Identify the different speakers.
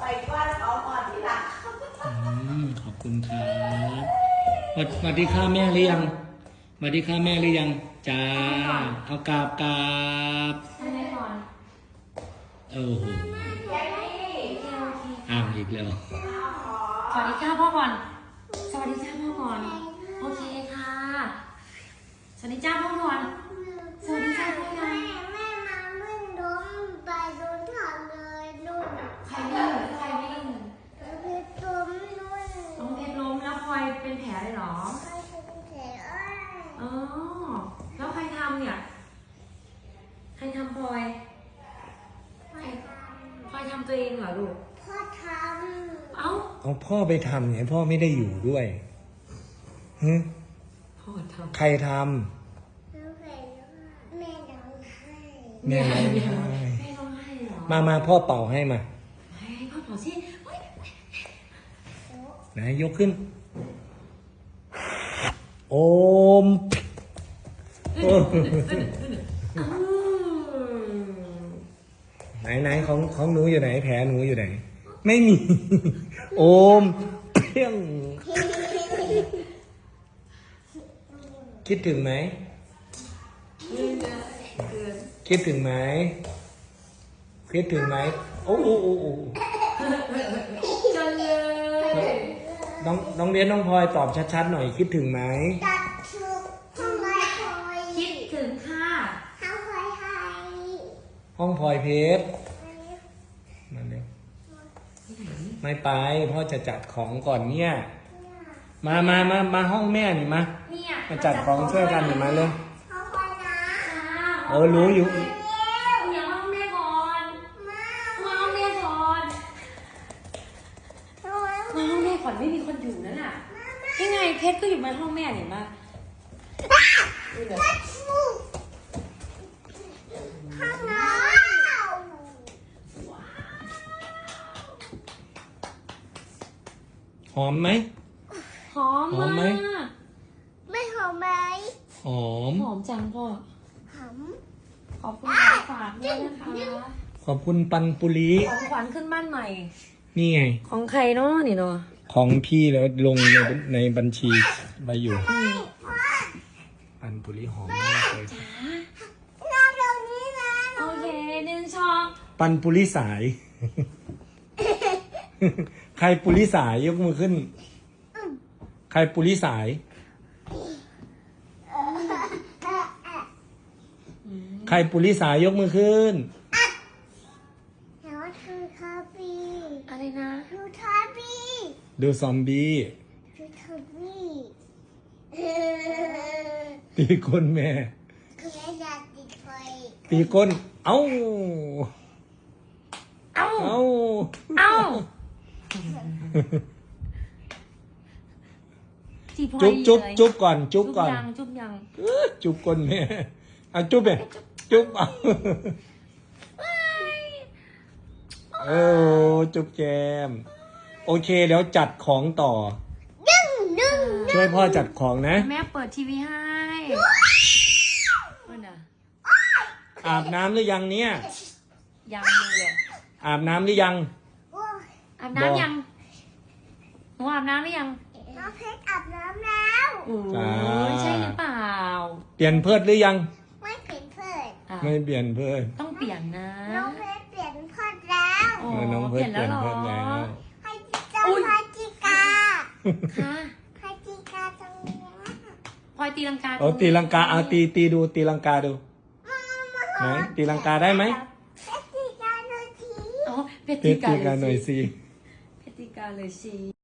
Speaker 1: ไปกว้านเขาก่อนที่หลัง
Speaker 2: ขอบคุณครับสวัสดีค่ะแม่หรือยังสวัสดีค่ะแม่หรือยังจ้าเอากราบ
Speaker 3: ทำไมก่อน
Speaker 2: โอ้โหอ้าวอีกแล้ว
Speaker 3: สวัสดีค่ะพ่อก่อนสวัสดีจ้าพ่อก่อนโอเคค่ะสวัสดีจ้าพ่อก่อนสวัสดีจ้าพ่อก่อน
Speaker 4: แม่มาวิ่งล้มไปโดนถอดเลยนุ่น
Speaker 3: ใครวิ่ง
Speaker 4: เพชรล้มนุ่น
Speaker 3: น้องเพชรล้มแล้วพลอยเป็นแผลเลยเหรอ
Speaker 4: ใครเป็นแผล
Speaker 3: อ๋อแล้วใครทำเนี่ยใครทำพลอยพลอยทำตัวเองเหรอลูก
Speaker 4: พ่อทำ
Speaker 2: เอาพ่อไปทำเนี่ยพ่อไม่ได้อยู่ด้วย
Speaker 3: พ่อทำ
Speaker 2: ใครทำ
Speaker 4: แม่ร้องไห้
Speaker 2: แม่ร้องไห้
Speaker 3: แม่ร้องไห้เหรอ
Speaker 2: มาพ่อเป่าให้มา
Speaker 3: ให้พ่อเป่าสิ
Speaker 2: ไหนยกขึ้นโอมไหนของหนูอยู่ไหนแผลหนูอยู่ไหนไม่มีโอมเพี้ยงคิดถึงไหมคิดถึงไหมคิดถึงไหมโอ้
Speaker 3: จังเลย
Speaker 2: น้องเรียนน้องพลอยตอบชัดๆหน่อยคิดถึงไหม
Speaker 4: ตัดชุดทำไมคอย
Speaker 3: คิดถึงค่ะ
Speaker 4: ทำคอยให้
Speaker 2: ห้องพลอยเพชรมาเร็วไม่ไปพ่อจะจัดของก่อนเนี่ยมาห้องแม่หนิมาจัดของช่วยกันหนิมาเลย
Speaker 4: พ่อคอยนะ
Speaker 2: รู้อยู่
Speaker 3: อย่าห้องแม่ก่อนมาห้องแม่ก่อนมาห้องแม่ก่อนไม่มีคนอยู่นั่นน่ะยังไงเพชรก็อยู่ในห้องแม่เห็นปะ
Speaker 4: ข้างน้
Speaker 2: หอมไหม
Speaker 3: หอมมาก
Speaker 4: ไม่หอมไหม
Speaker 2: หอม
Speaker 3: จังพ่อ
Speaker 4: หอม
Speaker 3: ขอบคุณของฝากด้วยนะคะ
Speaker 2: ขอบคุณปันปุรี
Speaker 3: ของขวัญขึ้นบ้านใหม่
Speaker 2: นี่ไง
Speaker 3: ของใครเนาะนี่เนาะ
Speaker 2: ของพี่แล้วลงในบัญชีไปอยู่ปันปุรีหอมมากเลย
Speaker 4: เราตรงนี้นะ
Speaker 3: โอเค1 ช้อน
Speaker 2: ปันปุรีสาย ใครปุริสายยกมือขึ้นใครปุริสายใครปุริสายยกมือขึ้น
Speaker 4: แล้วคือคาบี
Speaker 3: อะไรนะ
Speaker 4: ดูทาบี
Speaker 2: ดูซอมบี้
Speaker 4: ดูทาบี
Speaker 2: ตีก้นแม่
Speaker 4: คือแม่อยากติดไฟ
Speaker 2: ตีก้นเอ้าจุ๊บก่อนจุ๊บยังจุ๊บก้นแม่เอาจุ๊บไปจุ๊บเอาจุ๊บแกมโอเคเดี๋ยวจัดของต่อช่วยพ่อจัดของนะ
Speaker 3: แม่เปิดทีวีให้
Speaker 2: อาบน้ำหรือยังเนี่ย
Speaker 3: ยังเลย
Speaker 2: อาบน้ำหรือยัง
Speaker 3: อาบน้ำยังหนูอาบน้ำหรือยัง
Speaker 4: น้องเพชรอาบน้ำแล้ว
Speaker 3: โอ้ยใช่หรือเปล่า
Speaker 2: เปลี่ยนเพิดหรือยัง
Speaker 4: ไม่เปลี่ยนเพิด
Speaker 2: ไม่เปลี่ยนเพิด
Speaker 3: ต้องเปลี่ยนนะ
Speaker 4: น้องเพชรเปลี่ยนเพิดแล้ว
Speaker 2: น้องเพชรเปลี่ยนเพิดแล้ว
Speaker 4: ให้เจ้าพาจิกา
Speaker 3: ค่ะ
Speaker 4: พาจิกาตรงนี้
Speaker 3: พลอยตีลังกา
Speaker 2: ตีลังกาเอาตีดูตีลังกาดูไหนตีลังกาได้ไหม
Speaker 4: เพชรตีกาหน่อยสิ
Speaker 3: เพชรตีกาหน่อยสิเพชรตีกาเลยสิ